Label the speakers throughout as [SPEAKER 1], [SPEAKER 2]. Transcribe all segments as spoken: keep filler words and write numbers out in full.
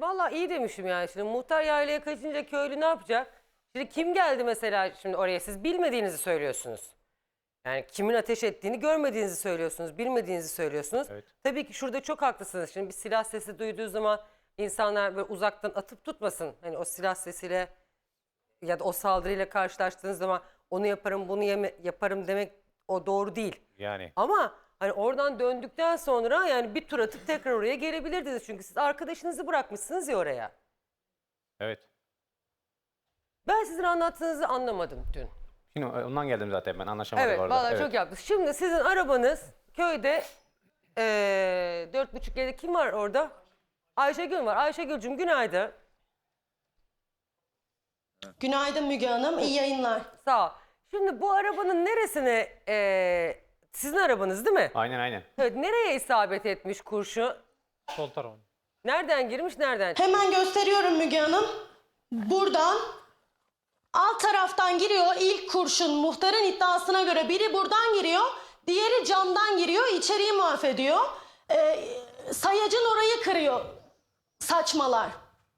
[SPEAKER 1] Vallahi iyi demişim yani. Şimdi muhtar yaylaya kaçınca köylü ne yapacak? Şimdi kim geldi mesela şimdi oraya, siz bilmediğinizi söylüyorsunuz. Yani kimin ateş ettiğini görmediğinizi söylüyorsunuz, bilmediğinizi söylüyorsunuz.
[SPEAKER 2] Evet.
[SPEAKER 1] Tabii ki şurada çok haklısınız. Şimdi bir silah sesi duyduğu zaman insanlar böyle uzaktan atıp tutmasın. Hani o silah sesiyle ya da o saldırıyla karşılaştığınız zaman onu yaparım, bunu yeme- yaparım demek o doğru değil.
[SPEAKER 2] Yani.
[SPEAKER 1] Ama hani oradan döndükten sonra yani bir tur atıp tekrar oraya gelebilirdiniz. Çünkü siz arkadaşınızı bırakmışsınız ya oraya.
[SPEAKER 2] Evet.
[SPEAKER 1] Ben sizin anlattığınızı anlamadım dün.
[SPEAKER 2] Şimdi ondan geldim zaten ben anlaşamadık
[SPEAKER 1] Evet,
[SPEAKER 2] orada.
[SPEAKER 1] vallahi
[SPEAKER 2] Evet.
[SPEAKER 1] çok yaptınız. Şimdi sizin arabanız köyde eee dört buçuk yedi kim var orada? Ayşegül var. Ayşegül'cüm günaydın.
[SPEAKER 3] Günaydın Müge Hanım, iyi yayınlar.
[SPEAKER 1] Sağ ol. Şimdi bu arabanın neresine eee, sizin arabanız değil mi?
[SPEAKER 2] Aynen aynen.
[SPEAKER 1] Evet, nereye isabet etmiş kurşun?
[SPEAKER 2] Sol tarafı.
[SPEAKER 1] Nereden girmiş, nereden çıkmış?
[SPEAKER 3] Hemen gösteriyorum Müge Hanım. Buradan alt taraftan giriyor ilk kurşun. Muhtarın iddiasına göre biri buradan giriyor, diğeri camdan giriyor, içeriği mahvediyor. Ee, sayacın orayı kırıyor. Saçmalar.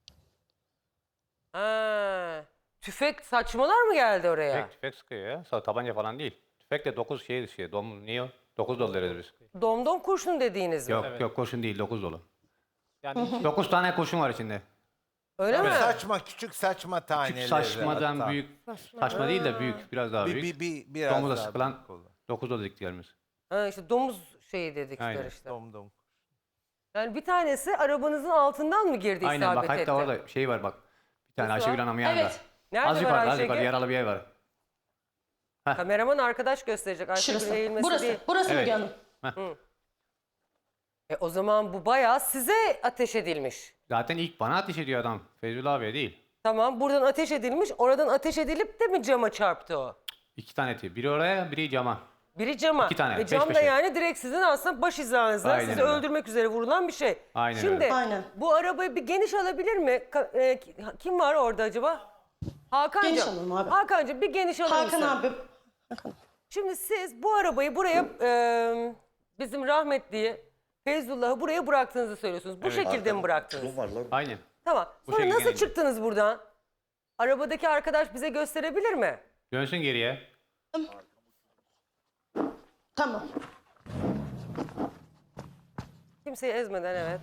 [SPEAKER 1] Ha, tüfek saçmalar mı geldi oraya?
[SPEAKER 2] Tüfek, tüfek sıkıyor ya. Sa- Tabanca falan değil. Tüfek de dokuz şey şey. Dom, niye o? dokuz dolu deriz biz.
[SPEAKER 1] Domdom kurşun dediğiniz mi?
[SPEAKER 2] Yok
[SPEAKER 4] Evet.
[SPEAKER 2] yok kurşun değil dokuz dolu.
[SPEAKER 4] Yani
[SPEAKER 2] dokuz tane kurşun var içinde.
[SPEAKER 1] Öyle mi?
[SPEAKER 5] Saçma, küçük saçma taneleri.
[SPEAKER 2] Küçük saçmadan
[SPEAKER 5] hatta.
[SPEAKER 2] büyük. Saçma değil de büyük. Biraz daha
[SPEAKER 5] Bir,
[SPEAKER 2] büyük.
[SPEAKER 5] bir, bir, biraz
[SPEAKER 2] Domuza
[SPEAKER 5] daha
[SPEAKER 2] sıkılan
[SPEAKER 5] büyük olur.
[SPEAKER 2] dokuz dolu dediklerimiz.
[SPEAKER 1] Ha, işte domuz şeyi dedikleri
[SPEAKER 2] Aynen.
[SPEAKER 1] işte.
[SPEAKER 5] Dom dom.
[SPEAKER 1] Yani bir tanesi arabanızın altından mı girdi,
[SPEAKER 2] Aynen
[SPEAKER 1] isabet
[SPEAKER 2] bak
[SPEAKER 1] etti?
[SPEAKER 2] hatta orada şey var bak. Bir tane
[SPEAKER 1] Nasıl
[SPEAKER 2] Ayşegül
[SPEAKER 1] var?
[SPEAKER 2] Hanım yanında.
[SPEAKER 3] Evet.
[SPEAKER 1] Nerede
[SPEAKER 2] Az
[SPEAKER 1] var
[SPEAKER 2] yukarıda az
[SPEAKER 1] Ayşegül?
[SPEAKER 2] yukarıda yaralı bir yer var.
[SPEAKER 1] Kameraman arkadaş gösterecek. Ayşegül
[SPEAKER 3] Şurası.
[SPEAKER 1] eğilmesi
[SPEAKER 3] Burası.
[SPEAKER 1] değil.
[SPEAKER 3] Burası
[SPEAKER 2] Evet.
[SPEAKER 3] Müge Hanım.
[SPEAKER 1] E, o zaman bu bayağı size ateş edilmiş.
[SPEAKER 2] Zaten ilk bana ateş ediyor adam. Feyzullah abiye değil.
[SPEAKER 1] Tamam, buradan ateş edilmiş. Oradan ateş edilip de mi cama çarptı o?
[SPEAKER 2] İki tane eti. Biri oraya biri cama.
[SPEAKER 1] Biri cama.
[SPEAKER 2] İki tane,
[SPEAKER 1] E,
[SPEAKER 2] peş
[SPEAKER 1] cam da
[SPEAKER 2] peşe.
[SPEAKER 1] yani direkt sizin aslında baş hizanızda
[SPEAKER 2] Aynen
[SPEAKER 1] sizi
[SPEAKER 2] öyle.
[SPEAKER 1] öldürmek üzere vurulan bir şey.
[SPEAKER 2] Aynen
[SPEAKER 1] Şimdi
[SPEAKER 2] öyle.
[SPEAKER 3] Aynen.
[SPEAKER 1] bu arabayı bir geniş alabilir mi? Ka- e, ki- kim var orada acaba? Hakan'cığım.
[SPEAKER 3] Geniş alalım abi.
[SPEAKER 1] Hakan'cığım bir geniş alır
[SPEAKER 3] Hakan
[SPEAKER 1] mısın?
[SPEAKER 3] abi. Hakan.
[SPEAKER 1] Şimdi siz bu arabayı buraya e, bizim rahmetli Feyzullah'ı buraya bıraktığınızı söylüyorsunuz. Bu
[SPEAKER 2] Evet.
[SPEAKER 1] şekilde mi bıraktınız?
[SPEAKER 2] Aynen.
[SPEAKER 1] Tamam.
[SPEAKER 2] Bu
[SPEAKER 1] Sonra
[SPEAKER 2] şekilde
[SPEAKER 1] nasıl
[SPEAKER 2] geldi.
[SPEAKER 1] çıktınız buradan? Arabadaki arkadaş bize gösterebilir mi?
[SPEAKER 2] Dönsün geriye.
[SPEAKER 3] Tamam.
[SPEAKER 1] Kimseyi ezmeden, evet.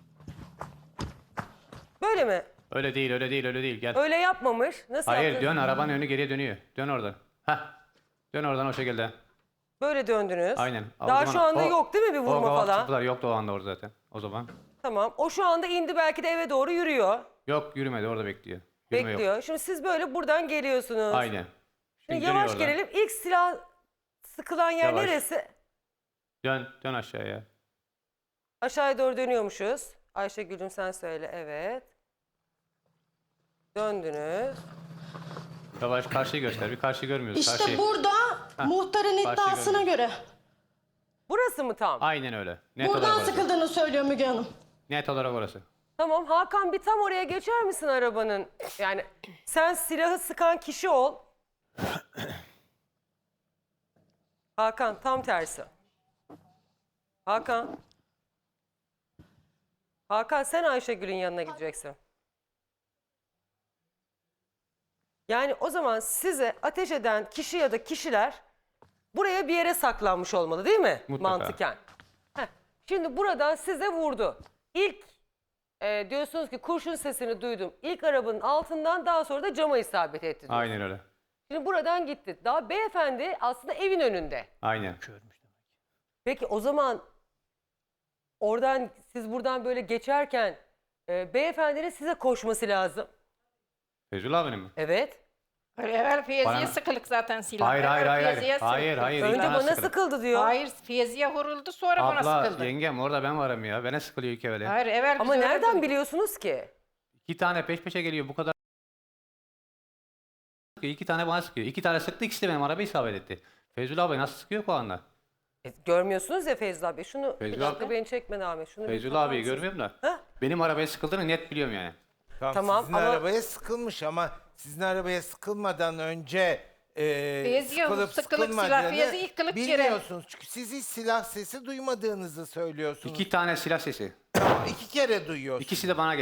[SPEAKER 1] Böyle mi?
[SPEAKER 2] Öyle değil öyle değil öyle değil gel.
[SPEAKER 1] Öyle yapmamış. Nasıl
[SPEAKER 2] Hayır
[SPEAKER 1] yaptınız?
[SPEAKER 2] dön arabanın önü geriye dönüyor. Dön oradan. Heh. Dön oradan o şekilde.
[SPEAKER 1] Böyle döndünüz.
[SPEAKER 2] Aynen. O
[SPEAKER 1] Daha
[SPEAKER 2] zaman
[SPEAKER 1] şu anda
[SPEAKER 2] o-
[SPEAKER 1] yok değil mi bir
[SPEAKER 2] o
[SPEAKER 1] vurma
[SPEAKER 2] kavak
[SPEAKER 1] falan?
[SPEAKER 2] çıktılar, yoktu o anda orada zaten. O zaman.
[SPEAKER 1] Tamam. O şu anda indi, belki de eve doğru yürüyor.
[SPEAKER 2] Yok yürümedi orada bekliyor. Yürüme yok.
[SPEAKER 1] Bekliyor. Şimdi siz böyle buradan geliyorsunuz.
[SPEAKER 2] Aynen.
[SPEAKER 1] Şimdi
[SPEAKER 2] Şimdi
[SPEAKER 1] yavaş
[SPEAKER 2] dönüyor oradan.
[SPEAKER 1] gelelim. İlk silah sıkılan yer
[SPEAKER 2] Yavaş.
[SPEAKER 1] neresi?
[SPEAKER 2] Dön, dön aşağıya.
[SPEAKER 1] Aşağıya doğru dönüyormuşuz. Ayşegül'cüm sen söyle. Evet. Döndünüz.
[SPEAKER 2] Yavaş karşıyı göster. Bir karşı görmüyoruz.
[SPEAKER 3] İşte
[SPEAKER 2] karşıyı.
[SPEAKER 3] burada muhtarın
[SPEAKER 2] Karşı
[SPEAKER 3] iddiasına göre
[SPEAKER 1] Burası mı tam?
[SPEAKER 2] Aynen öyle. Net
[SPEAKER 3] buradan
[SPEAKER 2] olarak orası.
[SPEAKER 3] sıkıldığını söylüyor Müge Hanım.
[SPEAKER 2] Net olarak orası.
[SPEAKER 1] Tamam Hakan, bir tam oraya geçer misin arabanın? Yani sen silahı sıkan kişi ol. Hakan tam tersi. Hakan. Hakan sen Ayşegül'ün yanına gideceksin. Yani o zaman size ateş eden kişi ya da kişiler buraya bir yere saklanmış olmalı değil mi?
[SPEAKER 2] Mutlaka.
[SPEAKER 1] Mantıken. Heh. Şimdi buradan size vurdu. İlk e, diyorsunuz ki kurşun sesini duydum. İlk arabanın altından, daha sonra da cama isabet etti diyorsun.
[SPEAKER 2] Aynen öyle.
[SPEAKER 1] Şimdi buradan gitti. Daha beyefendi aslında evin önünde.
[SPEAKER 2] Aynen.
[SPEAKER 1] Peki o zaman oradan, siz buradan böyle geçerken e, beyefendinin size koşması lazım.
[SPEAKER 2] Feyzullah abinin mi?
[SPEAKER 1] Evet.
[SPEAKER 6] Hayır, evvel Fiyezi'ye
[SPEAKER 2] Bana-
[SPEAKER 6] sıkılık zaten silah.
[SPEAKER 2] Hayır hayır
[SPEAKER 6] Evvel
[SPEAKER 2] hayır. Hayır
[SPEAKER 6] Fiyezi'ye
[SPEAKER 2] hayır.
[SPEAKER 6] sıkıldı.
[SPEAKER 2] hayır.
[SPEAKER 1] Önce
[SPEAKER 2] İlk
[SPEAKER 1] bana
[SPEAKER 2] sıkıldı.
[SPEAKER 1] sıkıldı diyor.
[SPEAKER 6] Hayır, Fiyezi'ye vuruldu, sonra bana
[SPEAKER 2] Abla
[SPEAKER 6] sıkıldı.
[SPEAKER 2] yengem orada ben varım ya. Bana sıkılıyor iki evvel.
[SPEAKER 6] Hayır, evvel
[SPEAKER 1] Ama
[SPEAKER 6] biz öyle
[SPEAKER 1] nereden
[SPEAKER 6] dedik.
[SPEAKER 1] biliyorsunuz ki?
[SPEAKER 2] İki tane peş peşe geliyor bu kadar. İki tane bana sıkıyor. İki tane sıktı, ikisi de benim arabayı isabet etti. Feyzullah abi nasıl sıkıyor o anda?
[SPEAKER 1] E, görmüyorsunuz ya Feyzullah abi. Şunu bir
[SPEAKER 2] Feyzullah
[SPEAKER 1] dakika,
[SPEAKER 2] abi.
[SPEAKER 1] beni çekme Ahmet. Şunu bir
[SPEAKER 2] Feyzullah
[SPEAKER 1] tutar
[SPEAKER 2] abiyi
[SPEAKER 1] mısın?
[SPEAKER 2] görmüyorum da.
[SPEAKER 1] Heh.
[SPEAKER 2] Benim arabaya sıkıldığını net biliyorum yani.
[SPEAKER 5] Tamam,
[SPEAKER 1] Tamam,
[SPEAKER 5] sizin
[SPEAKER 1] ama-
[SPEAKER 5] arabaya sıkılmış ama sizin arabaya sıkılmadan önce e,
[SPEAKER 6] Feyzi'ye
[SPEAKER 5] sıkılıp
[SPEAKER 6] sıkılıp silah,
[SPEAKER 5] sıkılmadığını
[SPEAKER 6] Feyzi ilk kılık yere.
[SPEAKER 5] bilmiyorsunuz. Çünkü siz hiç silah sesi duymadığınızı söylüyorsunuz.
[SPEAKER 2] İki tane silah sesi.
[SPEAKER 5] Tamam, iki kere duyuyorsunuz.
[SPEAKER 2] İkisi de bana geliyor.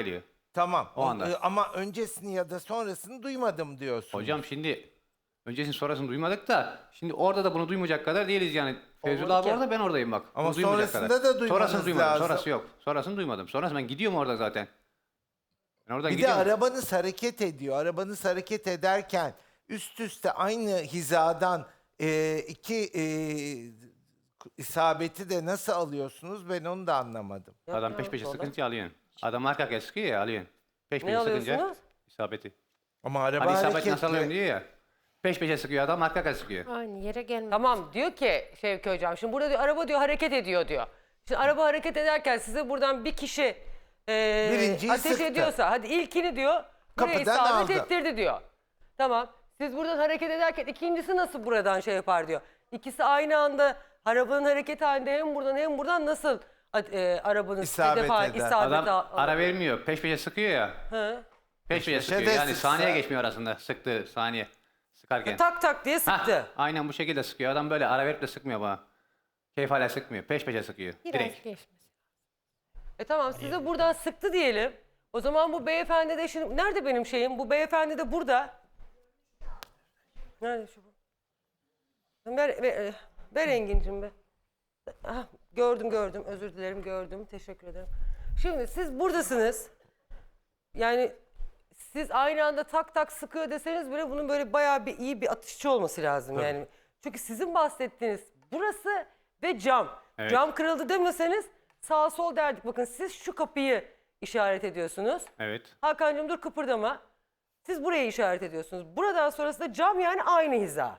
[SPEAKER 5] Tamam.
[SPEAKER 2] O anda.
[SPEAKER 5] Ee, Ama öncesini ya da sonrasını duymadım diyorsun.
[SPEAKER 2] Hocam şimdi öncesini sonrasını duymadık da şimdi orada da bunu duymayacak kadar değiliz yani. Feyzullah abi
[SPEAKER 1] ki.
[SPEAKER 2] orada, ben oradayım bak.
[SPEAKER 5] Ama
[SPEAKER 2] Bunu duymayacak
[SPEAKER 5] sonrasında
[SPEAKER 2] kadar.
[SPEAKER 5] da duymanız
[SPEAKER 2] Sonrasını duymadım.
[SPEAKER 5] lazım.
[SPEAKER 2] Sonrası yok. Sonrasını duymadım. Sonrası ben gidiyorum orada zaten. Ben oradan
[SPEAKER 5] Bir de
[SPEAKER 2] gidiyorum.
[SPEAKER 5] arabanız hareket ediyor. Arabanız hareket ederken üst üste aynı hizadan e, iki e, isabeti de nasıl alıyorsunuz, ben onu da anlamadım.
[SPEAKER 2] Adam
[SPEAKER 1] Ya,
[SPEAKER 2] peş peşe
[SPEAKER 1] vallahi.
[SPEAKER 2] sıkınca alıyorsun. Adam arka arkaya sıkıyor ya, alıyorsun. Peş
[SPEAKER 1] Ne
[SPEAKER 2] peşe sıkınca
[SPEAKER 1] alıyorsunuz?
[SPEAKER 2] isabeti.
[SPEAKER 5] Ama araba
[SPEAKER 2] Hani isabet nasıl alıyorum
[SPEAKER 5] hareketli.
[SPEAKER 2] diyor ya. Peş peşe sıkıyor adam, arka arkaya sıkıyor.
[SPEAKER 6] Aynı yere gelmedi.
[SPEAKER 1] Tamam diyor ki Şevki Hocam, şimdi burada diyor araba diyor hareket ediyor diyor. Şimdi araba hareket ederken size buradan bir kişi e,
[SPEAKER 5] Birinciyi
[SPEAKER 1] ateş
[SPEAKER 5] sıktı.
[SPEAKER 1] ediyorsa hadi ilkini diyor buraya
[SPEAKER 5] Kapıdan
[SPEAKER 1] isabet
[SPEAKER 5] aldı.
[SPEAKER 1] ettirdi diyor. Tamam, siz buradan hareket ederken ikincisi nasıl buradan şey yapar diyor. İkisi aynı anda arabanın hareket halinde hem buradan hem buradan nasıl e, arabanın
[SPEAKER 5] İsabet
[SPEAKER 1] hedefe-
[SPEAKER 5] eder.
[SPEAKER 1] isabet
[SPEAKER 2] Adam
[SPEAKER 1] al-
[SPEAKER 2] ara vermiyor. Peş peşe sıkıyor ya.
[SPEAKER 1] Hı.
[SPEAKER 2] Peş peşe
[SPEAKER 5] peşe
[SPEAKER 2] sıkıyor.
[SPEAKER 5] de
[SPEAKER 2] Yani
[SPEAKER 5] sıksa-
[SPEAKER 2] saniye geçmiyor arasında sıktığı saniye. Sıkarken.
[SPEAKER 1] Tak tak diye
[SPEAKER 2] Hah,
[SPEAKER 1] sıktı.
[SPEAKER 2] aynen bu şekilde sıkıyor. Adam böyle ara verip de sıkmıyor bana. Keyif hala sıkmıyor. Peş peşe sıkıyor.
[SPEAKER 6] Biraz
[SPEAKER 2] Direkt.
[SPEAKER 6] geçmesi.
[SPEAKER 1] E tamam, size buradan sıktı diyelim. O zaman bu beyefendi de şimdi nerede benim şeyim? Bu beyefendi de burada. Nerede şu bu? Ver, ver, ver Engin'cim be. Ah, gördüm gördüm, özür dilerim, gördüm, teşekkür ederim. Şimdi siz buradasınız. Yani siz aynı anda tak tak sıkıyor deseniz bile bunun böyle bayağı bir iyi bir atışçı olması lazım yani. Çünkü sizin bahsettiğiniz burası ve cam.
[SPEAKER 2] Evet.
[SPEAKER 1] Cam kırıldı demeseniz sağ sol derdik. Bakın siz şu kapıyı işaret ediyorsunuz.
[SPEAKER 2] Evet.
[SPEAKER 1] Hakan'cığım dur kıpırdama. Siz burayı işaret ediyorsunuz. Buradan sonrası da cam, yani aynı hiza.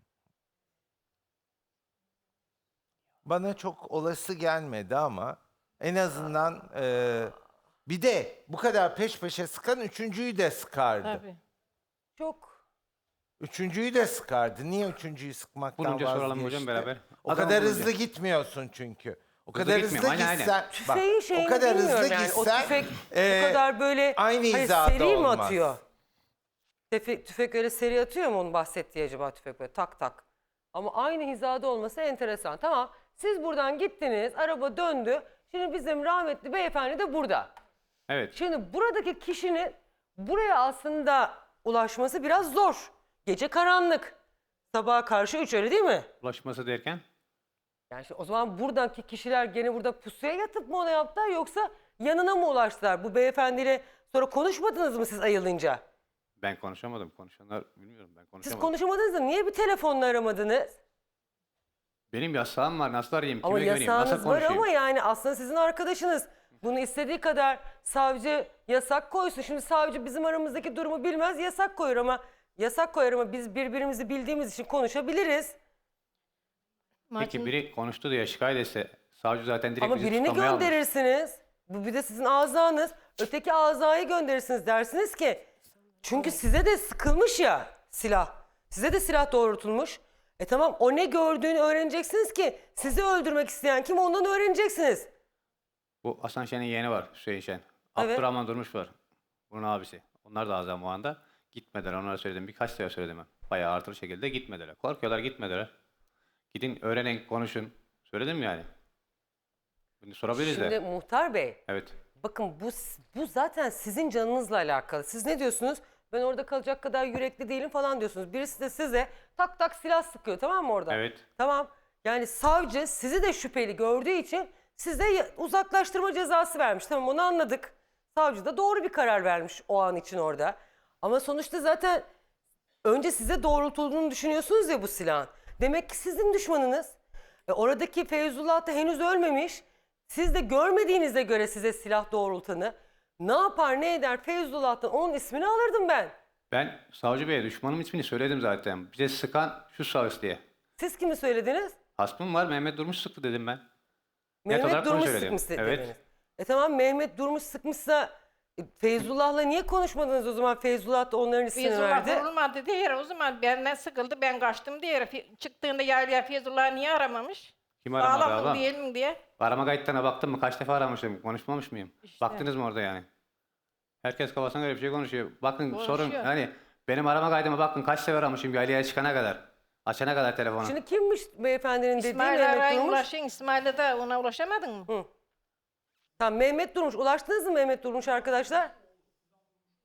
[SPEAKER 5] Bana çok olası gelmedi ama en azından e, bir de bu kadar peş peşe sıkan üçüncüyü de sıkardı.
[SPEAKER 6] Tabii.
[SPEAKER 1] Çok.
[SPEAKER 5] Üçüncüyü de sıkardı. Niye üçüncüyü sıkmaktan
[SPEAKER 2] Bulunca soralım
[SPEAKER 5] vazgeçti?
[SPEAKER 2] hocam beraber.
[SPEAKER 5] O
[SPEAKER 2] Adam
[SPEAKER 5] kadar
[SPEAKER 2] bulunca.
[SPEAKER 5] hızlı gitmiyorsun çünkü. O
[SPEAKER 2] Hızlı
[SPEAKER 5] kadar
[SPEAKER 2] gitmiyorum,
[SPEAKER 5] hızlı
[SPEAKER 2] aynen, aynen.
[SPEAKER 5] gitsen, bak,
[SPEAKER 1] Tüfeğin şeyini
[SPEAKER 5] o kadar
[SPEAKER 1] bilmiyorum
[SPEAKER 5] hızlı
[SPEAKER 1] yani.
[SPEAKER 5] gitsen
[SPEAKER 1] O tüfek
[SPEAKER 5] e,
[SPEAKER 1] bu kadar böyle
[SPEAKER 5] aynı
[SPEAKER 1] hani
[SPEAKER 5] hizada
[SPEAKER 1] seri mi
[SPEAKER 5] olmaz.
[SPEAKER 1] atıyor? Tüfek, tüfek öyle seri atıyor mu onun bahsettiği acaba tüfek böyle tak tak. Ama aynı hizada olması enteresan. Tamam, siz buradan gittiniz, araba döndü. Şimdi bizim rahmetli beyefendi de burada.
[SPEAKER 2] Evet.
[SPEAKER 1] Şimdi buradaki kişinin buraya aslında ulaşması biraz zor. Gece karanlık. Sabaha karşı üç, öyle değil mi?
[SPEAKER 2] Ulaşması derken
[SPEAKER 1] Yani şimdi o zaman buradaki kişiler gene burada pusuya yatıp mı ona yaptılar, yoksa yanına mı ulaştılar? Bu beyefendiyle sonra konuşmadınız mı siz ayılınca?
[SPEAKER 2] ben konuşamadım. Konuşanlar bilmiyorum, ben
[SPEAKER 1] Siz
[SPEAKER 2] konuşamadım.
[SPEAKER 1] konuşamadınız da niye bir telefonla aramadınız?
[SPEAKER 2] Benim yasağım var. Nasıl arayayım? Kime
[SPEAKER 1] Ama
[SPEAKER 2] güveneyim? Nasıl
[SPEAKER 1] yasağınız var
[SPEAKER 2] konuşayım?
[SPEAKER 1] ama yani aslında sizin arkadaşınız. Bunu istediği kadar savcı yasak koysun. Şimdi savcı bizim aramızdaki durumu bilmez, yasak koyar ama yasak koyar ama biz birbirimizi bildiğimiz için konuşabiliriz.
[SPEAKER 2] Peki
[SPEAKER 6] Makin-
[SPEAKER 2] biri konuştu diye şikayet etse savcı zaten direkt
[SPEAKER 1] Ama
[SPEAKER 2] bizi
[SPEAKER 1] birini
[SPEAKER 2] tutamaya almış.
[SPEAKER 1] gönderirsiniz. Bu bir de sizin azanız. Öteki azayı gönderirsiniz, dersiniz ki çünkü size de sıkılmış ya silah. Size de silah doğrultulmuş. E tamam, o ne gördüğünü öğreneceksiniz ki sizi öldürmek isteyen kim, ondan öğreneceksiniz.
[SPEAKER 2] Bu Hasan Şen'in yeğeni var, Hüseyin Şen.
[SPEAKER 1] Evet.
[SPEAKER 2] Abdurrahman Durmuş var. Bunun abisi. Onlar da azam o anda. Gitmediler, onlara söyledim. Birkaç sefer söyledim ben. Bayağı artır şekilde gitmediler. Korkuyorlar, gitmediler. Gidin öğrenin, konuşun. Söyledim yani. Bunu sorabiliriz
[SPEAKER 1] Şimdi
[SPEAKER 2] de.
[SPEAKER 1] muhtar bey,
[SPEAKER 2] Evet.
[SPEAKER 1] bakın bu bu zaten sizin canınızla alakalı. Siz ne diyorsunuz? Ben orada kalacak kadar yürekli değilim falan diyorsunuz. Birisi de size tak tak silah sıkıyor, tamam mı orada?
[SPEAKER 2] Evet.
[SPEAKER 1] Tamam. Yani savcı sizi de şüpheli gördüğü için size ya- uzaklaştırma cezası vermiş. Tamam, onu anladık. Savcı da doğru bir karar vermiş o an için orada. Ama sonuçta zaten önce size doğrultulduğunu düşünüyorsunuz ya bu silahın. Demek ki sizin düşmanınız. E oradaki Feyzullah da henüz ölmemiş. Siz de görmediğinize göre size silah doğrultanı ne yapar ne eder Feyzullah'tan onun ismini alırdım ben.
[SPEAKER 2] Ben Savcı Bey'e düşmanım ismini söyledim zaten. Bize sıkan şu şahıs diye.
[SPEAKER 1] Siz kimi söylediniz?
[SPEAKER 2] Hasmım var, Mehmet Durmuş sıktı dedim ben.
[SPEAKER 1] Mehmet
[SPEAKER 2] olarak bunu
[SPEAKER 1] Durmuş
[SPEAKER 2] söyledim.
[SPEAKER 1] sıkmış
[SPEAKER 2] Evet.
[SPEAKER 1] dediniz. E tamam, Mehmet Durmuş sıkmışsa e, Feyzullah'la niye konuşmadınız o zaman? Feyzullah da onların ismini
[SPEAKER 6] Feyzullah
[SPEAKER 1] verdi.
[SPEAKER 6] vurulmadı diye o zaman benden sıkıldı, ben kaçtım diye. Fe- Çıktığında yaylaya Feyzullah niye aramamış?
[SPEAKER 2] Kim aramadı
[SPEAKER 6] Sağlam mı
[SPEAKER 2] abla?
[SPEAKER 6] değil mi diye.
[SPEAKER 2] Arama kayıtlarına baktın mı? Kaç defa aramışım? Konuşmamış mıyım?
[SPEAKER 6] İşte.
[SPEAKER 2] Baktınız mı orada yani? Herkes kafasına göre bir şey konuşuyor. Bakın sorun
[SPEAKER 6] Konuşuyor.
[SPEAKER 2] hani benim arama kaydıma bakın kaç sefer aramışım yaylaya çıkana kadar. Açana kadar telefonu.
[SPEAKER 1] Şimdi kimmiş beyefendinin dediği
[SPEAKER 6] İsmail
[SPEAKER 1] Mehmet
[SPEAKER 6] arayın
[SPEAKER 1] Durmuş?
[SPEAKER 6] ulaşın. İsmail'e de ona ulaşamadın mı?
[SPEAKER 1] Tamam, Mehmet Durmuş. Ulaştınız mı Mehmet Durmuş arkadaşlar?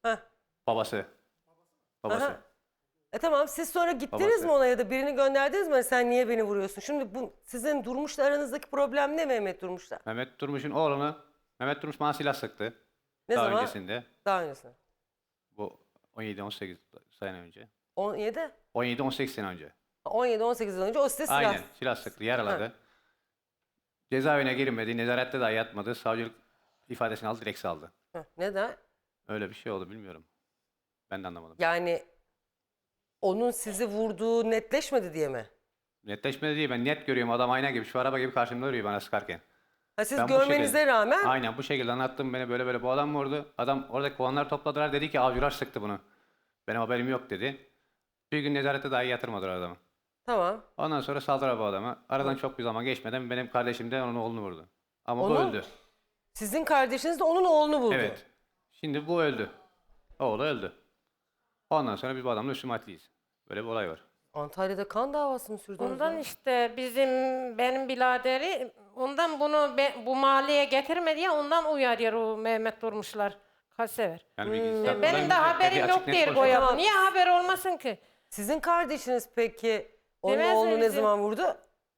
[SPEAKER 1] Heh.
[SPEAKER 2] Babası. Babası.
[SPEAKER 1] Aha. E tamam, siz sonra gittiniz
[SPEAKER 2] Babası.
[SPEAKER 1] mi ona ya da birini gönderdiniz mi? Sen niye beni vuruyorsun? Şimdi bu sizin Durmuş'la aranızdaki problem ne Mehmet Durmuş'la?
[SPEAKER 2] Mehmet Durmuş'un oğlunu, Mehmet Durmuş bana silah sıktı.
[SPEAKER 1] Ne
[SPEAKER 2] Daha
[SPEAKER 1] zaman?
[SPEAKER 2] öncesinde.
[SPEAKER 1] Daha öncesinde.
[SPEAKER 2] Bu on yedi on sekiz sene önce.
[SPEAKER 1] on yedi?
[SPEAKER 2] on yedi on sekiz sene önce.
[SPEAKER 1] on yedi on sekiz yıl önce o size silah.
[SPEAKER 2] Aynen. Silah sıktı, yaraladı. Cezaevine girmedi, nezarette dahi yatmadı. Savcılık ifadesini aldı, direkt saldı.
[SPEAKER 1] Heh, neden?
[SPEAKER 2] Öyle bir şey oldu, bilmiyorum. Ben de anlamadım.
[SPEAKER 1] Yani onun sizi vurduğu netleşmedi diye mi?
[SPEAKER 2] Netleşmedi değil, ben net görüyorum, adam ayna gibi, şu araba gibi karşımda duruyor bana sıkarken.
[SPEAKER 1] Ha, siz
[SPEAKER 2] Ben bu
[SPEAKER 1] görmenize
[SPEAKER 2] şekilde-
[SPEAKER 1] rağmen
[SPEAKER 2] Aynen bu şekilde anlattım, beni böyle böyle bu adam vurdu. Adam oradaki puanları topladılar, dedi ki avcılar sıktı bunu. Benim haberim yok dedi. Bir gün nezarette dahi yatırmadılar adamı.
[SPEAKER 1] tamam.
[SPEAKER 2] Ondan sonra saldılar bu adamı. Aradan çok bir zaman geçmeden benim kardeşim de onun oğlunu vurdu. Ama bu
[SPEAKER 1] Onu-
[SPEAKER 2] öldü.
[SPEAKER 1] Sizin kardeşiniz de onun oğlunu buldu.
[SPEAKER 2] Evet. Şimdi bu öldü. Oğlu öldü. Ondan sonra biz bu adamla üstümatliyiz. Böyle bir olay var.
[SPEAKER 1] Antalya'da kan davası mı sürdünüz?
[SPEAKER 6] Ondan
[SPEAKER 1] ya?
[SPEAKER 6] işte bizim benim biraderi ondan bunu be- bu mahalleye getirme diye ondan uyarıyor o Mehmet Durmuşlar. Kaç sever.
[SPEAKER 2] Yani bilgisi
[SPEAKER 1] Hmm.
[SPEAKER 2] tabii
[SPEAKER 6] Benim
[SPEAKER 2] olayın
[SPEAKER 6] de
[SPEAKER 2] bize-
[SPEAKER 6] haberim
[SPEAKER 2] açık
[SPEAKER 6] yok
[SPEAKER 2] net
[SPEAKER 6] diye
[SPEAKER 2] konuşalım.
[SPEAKER 6] koyalım.
[SPEAKER 1] Tamam.
[SPEAKER 6] Niye haber olmasın ki?
[SPEAKER 1] Sizin kardeşiniz peki onun
[SPEAKER 6] Demez mi
[SPEAKER 1] oğlunu ne
[SPEAKER 6] bizim-
[SPEAKER 1] zaman vurdu?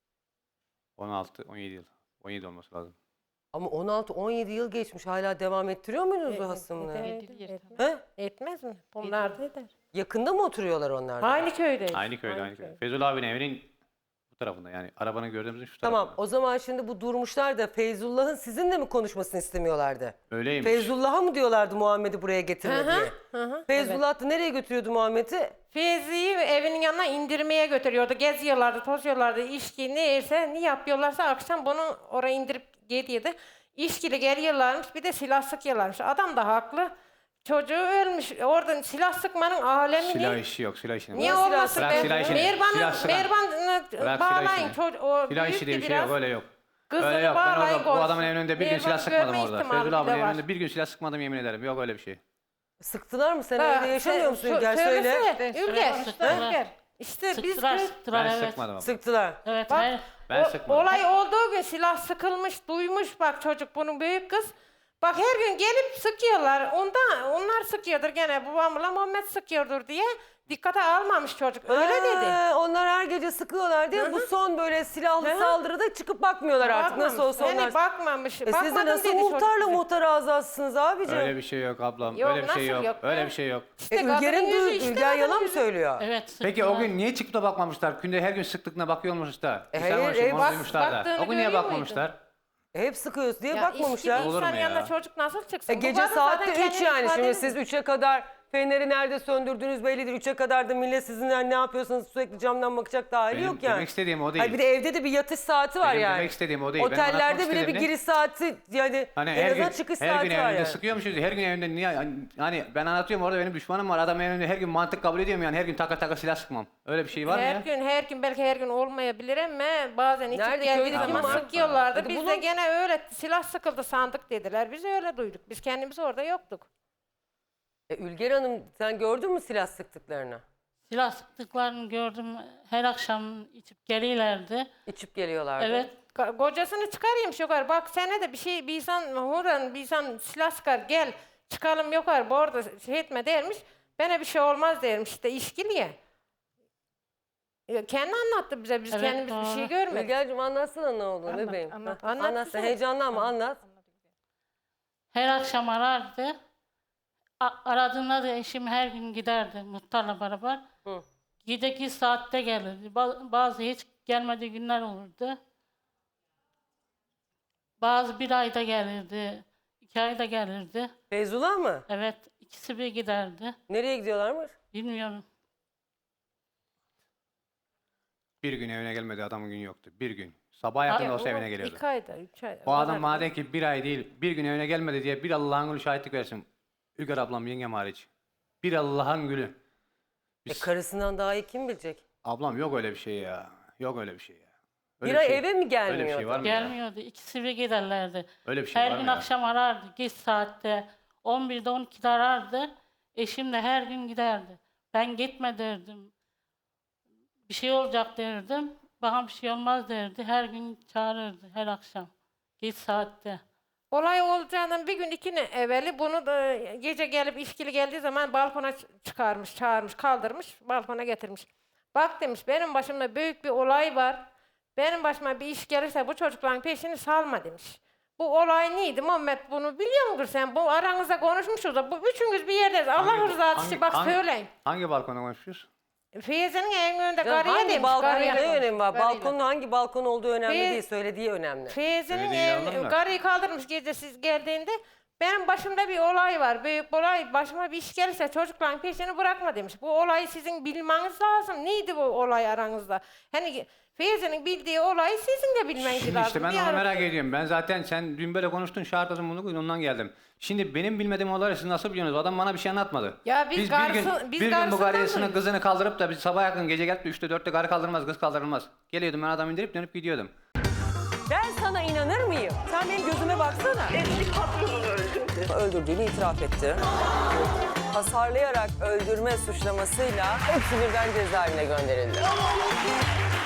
[SPEAKER 2] on altı on yedi yıl. on yedi olması lazım.
[SPEAKER 1] Ama on altı on yedi yıl geçmiş. Hala devam ettiriyor muydunuz bu hasımlığı?
[SPEAKER 6] Eder,
[SPEAKER 1] He?
[SPEAKER 6] Etmez mi? Bunlar da eder.
[SPEAKER 1] Yakında mı oturuyorlar onlar da?
[SPEAKER 6] Aynı köydeyiz.
[SPEAKER 2] Aynı köyde aynı
[SPEAKER 6] Aynı
[SPEAKER 2] köyde.
[SPEAKER 6] köy.
[SPEAKER 2] Feyzullah abinin evinin bu tarafında, yani arabanın gördüğümüzün şu
[SPEAKER 1] Tamam,
[SPEAKER 2] tarafında.
[SPEAKER 1] o zaman şimdi bu Durmuşlar da Feyzullah'ın sizinle mi konuşmasını istemiyorlardı?
[SPEAKER 2] Öyleymiş.
[SPEAKER 1] Feyzullah'a mı diyorlardı Muhammed'i buraya getirme
[SPEAKER 6] Hı hı,
[SPEAKER 1] diye?
[SPEAKER 6] hı hı,
[SPEAKER 1] Feyzullah da nereye götürüyordu Muhammed'i?
[SPEAKER 6] Feyzi'yi evinin yanına indirmeye götürüyordu. Geziyorlardı, tozuyorlardı. İşki neyse ne yapıyorlarsa akşam bunu oraya indirip gidiyordu. İşkili geliyorlarmış, bir de silah sıkıyorlarmış. Adam da haklı. Çocuğu ölmüş. Orada silah sıkmanın alemini...
[SPEAKER 2] Silah işi yok, silah işi.
[SPEAKER 6] Niye
[SPEAKER 1] Silah
[SPEAKER 6] olmasın
[SPEAKER 1] sık-
[SPEAKER 6] be?
[SPEAKER 2] Bırak silah işini, silah
[SPEAKER 6] Mervan'ı
[SPEAKER 2] sıkan.
[SPEAKER 6] Mervan'ı
[SPEAKER 2] Bırak silah
[SPEAKER 6] bağlayın.
[SPEAKER 2] işini.
[SPEAKER 6] Çocuk, o
[SPEAKER 2] Silah işi
[SPEAKER 6] büyüktü
[SPEAKER 2] diye bir şey
[SPEAKER 6] biraz.
[SPEAKER 2] yok, öyle yok.
[SPEAKER 6] Kızını
[SPEAKER 2] Öyle yok. Ben
[SPEAKER 6] bağlayın
[SPEAKER 2] orada bu
[SPEAKER 6] koysun.
[SPEAKER 2] adamın önünde bir gün
[SPEAKER 6] Mervan
[SPEAKER 2] silah sıkmadım
[SPEAKER 6] görme
[SPEAKER 2] orada.
[SPEAKER 6] ihtimali
[SPEAKER 2] Feyzullah abinin
[SPEAKER 6] bile var.
[SPEAKER 2] önünde bir gün silah sıkmadım, yemin ederim. Yok öyle bir şey.
[SPEAKER 1] Sıktılar mı? Sen
[SPEAKER 6] Ha,
[SPEAKER 1] evde yaşamıyor
[SPEAKER 6] sen-
[SPEAKER 1] musun
[SPEAKER 6] sö-
[SPEAKER 1] Ülger? Söyle.
[SPEAKER 6] söylesene, Ülger.
[SPEAKER 4] Sıktılar.
[SPEAKER 6] Ülger. İşte biz
[SPEAKER 4] Sıktılar,
[SPEAKER 6] kö-
[SPEAKER 4] sıktılar,
[SPEAKER 2] Ben
[SPEAKER 4] evet.
[SPEAKER 2] sıkmadım ama.
[SPEAKER 1] Sıktılar.
[SPEAKER 4] Evet,
[SPEAKER 6] Bak,
[SPEAKER 4] hayır.
[SPEAKER 2] Ben
[SPEAKER 6] o-
[SPEAKER 2] sıkmadım.
[SPEAKER 6] olay olduğu gün silah sıkılmış, duymuş bak çocuk bunun büyük kız. Bak her gün gelip sıkıyorlar. Ondan onlar sıkıyordur gene babamla Muhammed sıkıyordur diye dikkate almamış çocuk. Öyle dedi.
[SPEAKER 1] Ha, onlar her gece sıkıyorlar diye bu son böyle silahlı
[SPEAKER 6] Hı hı.
[SPEAKER 1] saldırıda çıkıp bakmıyorlar artık. Nasıl
[SPEAKER 6] Bakmamış.
[SPEAKER 1] olsa onlar.
[SPEAKER 6] Yani bakmamış.
[SPEAKER 1] E siz de
[SPEAKER 6] Bakmadım
[SPEAKER 1] nasıl
[SPEAKER 6] dedi çocuk
[SPEAKER 1] muhtarla
[SPEAKER 6] bize.
[SPEAKER 1] muhtar azatsınız abicim?
[SPEAKER 2] Öyle bir şey yok ablam.
[SPEAKER 6] Yok,
[SPEAKER 2] öyle bir şey
[SPEAKER 6] nasıl
[SPEAKER 2] yok.
[SPEAKER 6] yok
[SPEAKER 2] Öyle
[SPEAKER 6] be?
[SPEAKER 2] bir şey yok.
[SPEAKER 6] İşte
[SPEAKER 1] E,
[SPEAKER 6] kadının
[SPEAKER 1] Ülger'in
[SPEAKER 6] yüzü
[SPEAKER 1] du-
[SPEAKER 6] işte
[SPEAKER 1] Ülger
[SPEAKER 6] kadının
[SPEAKER 1] yalan mı
[SPEAKER 6] yüzü.
[SPEAKER 1] söylüyor?
[SPEAKER 4] Evet,
[SPEAKER 2] Peki o
[SPEAKER 4] sıktılar.
[SPEAKER 2] gün niye çıkıp da bakmamışlar? Günde her gün sıktıklarına bakıyor musunlar?
[SPEAKER 1] E,
[SPEAKER 2] İnsan
[SPEAKER 1] hayır,
[SPEAKER 2] var, şu
[SPEAKER 1] e,
[SPEAKER 2] onu
[SPEAKER 1] bak-
[SPEAKER 2] duymuşlar da.
[SPEAKER 6] baktığını
[SPEAKER 2] O gün niye
[SPEAKER 6] görüyor
[SPEAKER 2] bakmamışlar?
[SPEAKER 1] E, hep sıkıyoruz diye
[SPEAKER 6] Ya
[SPEAKER 1] bakmamışlar.
[SPEAKER 6] işki bir
[SPEAKER 2] Olur mu
[SPEAKER 6] insan
[SPEAKER 2] ya?
[SPEAKER 6] yanına çocuk nasıl çıksın?
[SPEAKER 1] E,
[SPEAKER 6] Bu
[SPEAKER 1] gece
[SPEAKER 6] kadın
[SPEAKER 1] saatte
[SPEAKER 6] zaten
[SPEAKER 1] üç
[SPEAKER 6] kendini
[SPEAKER 1] yani.
[SPEAKER 6] ifade
[SPEAKER 1] Şimdi
[SPEAKER 6] edemiyor.
[SPEAKER 1] siz üçe kadar feneri nerede söndürdüğünüz bellidir. üçe kadar da millet sizinle ne yapıyorsanız sürekli camdan bakacak da hali
[SPEAKER 2] Benim
[SPEAKER 1] yok yani.
[SPEAKER 2] demek istediğim o değil.
[SPEAKER 1] Hayır, bir de evde de bir yatış saati var
[SPEAKER 2] Benim
[SPEAKER 1] yani.
[SPEAKER 2] demek istediğim o değil. Benim
[SPEAKER 1] Otellerde
[SPEAKER 2] anlatmak
[SPEAKER 1] bile bir
[SPEAKER 2] istediğim ne?
[SPEAKER 1] giriş saati yani
[SPEAKER 2] Hani
[SPEAKER 1] en
[SPEAKER 2] her
[SPEAKER 1] azından
[SPEAKER 2] gün,
[SPEAKER 1] çıkış
[SPEAKER 2] her
[SPEAKER 1] saati
[SPEAKER 2] gün
[SPEAKER 1] var
[SPEAKER 2] evinde
[SPEAKER 1] yani.
[SPEAKER 2] sıkıyormuşuz. Her gün evinde niye? Hani ben anlatıyorum, orada benim düşmanım var. Adam evinde her gün mantık kabul ediyorum yani. Her gün taka taka silah sıkmam. Öyle bir şey var mı
[SPEAKER 6] Her
[SPEAKER 2] ya?
[SPEAKER 6] gün her gün belki her gün olmayabilir ama bazen içip
[SPEAKER 1] Nerede?
[SPEAKER 6] geldiği
[SPEAKER 1] Köyde
[SPEAKER 6] zaman
[SPEAKER 2] kim var?
[SPEAKER 6] sıkıyorlardı.
[SPEAKER 1] Hadi
[SPEAKER 6] Biz
[SPEAKER 1] bulun.
[SPEAKER 6] de gene öyle silah sıkıldı sandık dediler. Biz öyle duyduk. Biz kendimiz orada yoktuk.
[SPEAKER 1] E, Ülger Hanım sen gördün mü silah sıktıklarını?
[SPEAKER 4] Silah sıktıklarını gördüm. Her akşam içip geliyorlardı.
[SPEAKER 1] İçip geliyorlardı.
[SPEAKER 4] Evet.
[SPEAKER 6] Ka- Kocasını çıkarayım yukarı. Bak sene de bir şey bir insan huran bir insan silah sıkar gel çıkalım yukarı bu arada şey etme dermiş. Bana bir şey olmaz dermiş işte işkiliye. Ya kendi anlattı bize biz
[SPEAKER 4] Evet,
[SPEAKER 6] kendimiz bir
[SPEAKER 4] doğru.
[SPEAKER 6] şey görmedik.
[SPEAKER 1] Ülger'cim anlatsana ne olduğunu
[SPEAKER 6] Anlat,
[SPEAKER 1] bebeğim.
[SPEAKER 6] anlat.
[SPEAKER 1] Heh,
[SPEAKER 6] Anlat
[SPEAKER 1] Anlatsana
[SPEAKER 6] bize.
[SPEAKER 1] heyecanlanma anlat.
[SPEAKER 4] Her akşam arardı. A- aradığında da eşim her gün giderdi muhtarla beraber.
[SPEAKER 1] Hı.
[SPEAKER 4] Gideki saatte gelirdi. Ba- bazı hiç gelmediği günler olurdu. Bazı bir ayda gelirdi. iki ayda gelirdi.
[SPEAKER 1] Feyzullah mı?
[SPEAKER 4] Evet, ikisi bir giderdi.
[SPEAKER 1] Nereye gidiyorlarmış?
[SPEAKER 4] Bilmiyorum.
[SPEAKER 2] Bir gün evine gelmedi, adamın gün yoktu. Bir gün. Sabah yakın
[SPEAKER 6] Ya,
[SPEAKER 2] olsa
[SPEAKER 6] o
[SPEAKER 2] evine geliyordu.
[SPEAKER 6] İki ayda, üç ayda.
[SPEAKER 2] O adam
[SPEAKER 6] kadar.
[SPEAKER 2] madem ki bir ay değil, bir gün evine gelmedi diye bir Allah'ın gülü şahitlik versin. Ülger ablam, yengem hariç. Bir Allah'ın gülü.
[SPEAKER 1] E,
[SPEAKER 2] Biz-
[SPEAKER 1] karısından daha iyi kim bilecek?
[SPEAKER 2] Ablam yok öyle bir şey ya. Yok öyle bir şey ya. Öyle
[SPEAKER 1] Bir ay
[SPEAKER 2] şey-
[SPEAKER 1] eve mi gelmiyordu?
[SPEAKER 2] Öyle bir şey var mı ya?
[SPEAKER 4] Gelmiyordu. İkisi bir giderlerdi.
[SPEAKER 2] Öyle bir şey
[SPEAKER 4] Her
[SPEAKER 2] var
[SPEAKER 4] gün
[SPEAKER 2] mı ya?
[SPEAKER 4] akşam arardı. Geç saatte. on birde on ikide arardı. Eşim de her gün giderdi. Ben gitme derdim. Bir şey olacak derdim. Bana bir şey olmaz derdi. Her gün çağırırdı her akşam. Geç saatte.
[SPEAKER 6] Olay olacağından bir gün iki gün evveli bunu da gece gelip işkili geldiği zaman balkona ç- çıkarmış, çağırmış, kaldırmış, balkona getirmiş. Bak demiş, benim başımda büyük bir olay var. Benim başıma bir iş gelirse bu çocukların peşini salma demiş. Bu olay neydi Muhammed, bunu biliyor musun sen? Bu aranızda konuşmuşuz da bu üçünüz bir yerdeyiz. Allah
[SPEAKER 2] Hangi-
[SPEAKER 6] rızası
[SPEAKER 2] hangi-
[SPEAKER 6] için bak
[SPEAKER 2] hangi-
[SPEAKER 6] söyleyin.
[SPEAKER 2] Hangi balkona konuşuyoruz?
[SPEAKER 6] Feyze'nin evinin önünde
[SPEAKER 1] Canım,
[SPEAKER 6] karıya
[SPEAKER 1] hangi
[SPEAKER 6] demiş.
[SPEAKER 1] balkon
[SPEAKER 6] karıyla
[SPEAKER 1] ne
[SPEAKER 6] konuş,
[SPEAKER 1] önemi var?
[SPEAKER 6] karıyla.
[SPEAKER 1] Balkonun hangi balkon olduğu önemli
[SPEAKER 6] Fe-
[SPEAKER 1] değil, söylediği önemli.
[SPEAKER 6] Feyze'nin
[SPEAKER 2] Söylediğini
[SPEAKER 6] ev,
[SPEAKER 2] anladın mı?
[SPEAKER 6] karıyı kaldırmış gece siz geldiğinde. Benim başımda bir olay var. Büyük bir olay. Başıma bir iş gelirse çocukların peşini bırakma demiş. Bu olayı sizin bilmeniz lazım. Neydi bu olay aranızda? Hani Feyze'nin bildiği olayı sizin de bilmeniz
[SPEAKER 2] Şimdi
[SPEAKER 6] lazım.
[SPEAKER 2] işte ben
[SPEAKER 6] Bir
[SPEAKER 2] onu
[SPEAKER 6] ara-
[SPEAKER 2] merak ediyorum. Ben zaten sen dün böyle konuştun, şartladın bunu koydun, ondan geldim. Şimdi benim bilmediğim olayları siz nasıl biliyorsunuz? Adam bana bir şey anlatmadı.
[SPEAKER 6] Ya biz
[SPEAKER 2] bir gün,
[SPEAKER 6] garson- biz
[SPEAKER 2] bir gün bu
[SPEAKER 6] garsondan
[SPEAKER 2] karısını
[SPEAKER 6] duyduk.
[SPEAKER 2] kızını kaldırıp da biz sabah yakın gece gelip de üçte dörtte karı kaldırılmaz, kız kaldırılmaz. Geliyordum ben adamı indirip dönüp gidiyordum.
[SPEAKER 1] Ben sana inanır mıyım? Sen benim gözüme baksana.
[SPEAKER 7] Eski patronunu öldürdü.
[SPEAKER 1] Öldürdüğünü itiraf etti. Hasarlayarak öldürme suçlamasıyla hepsi birden cezaevine gönderildi.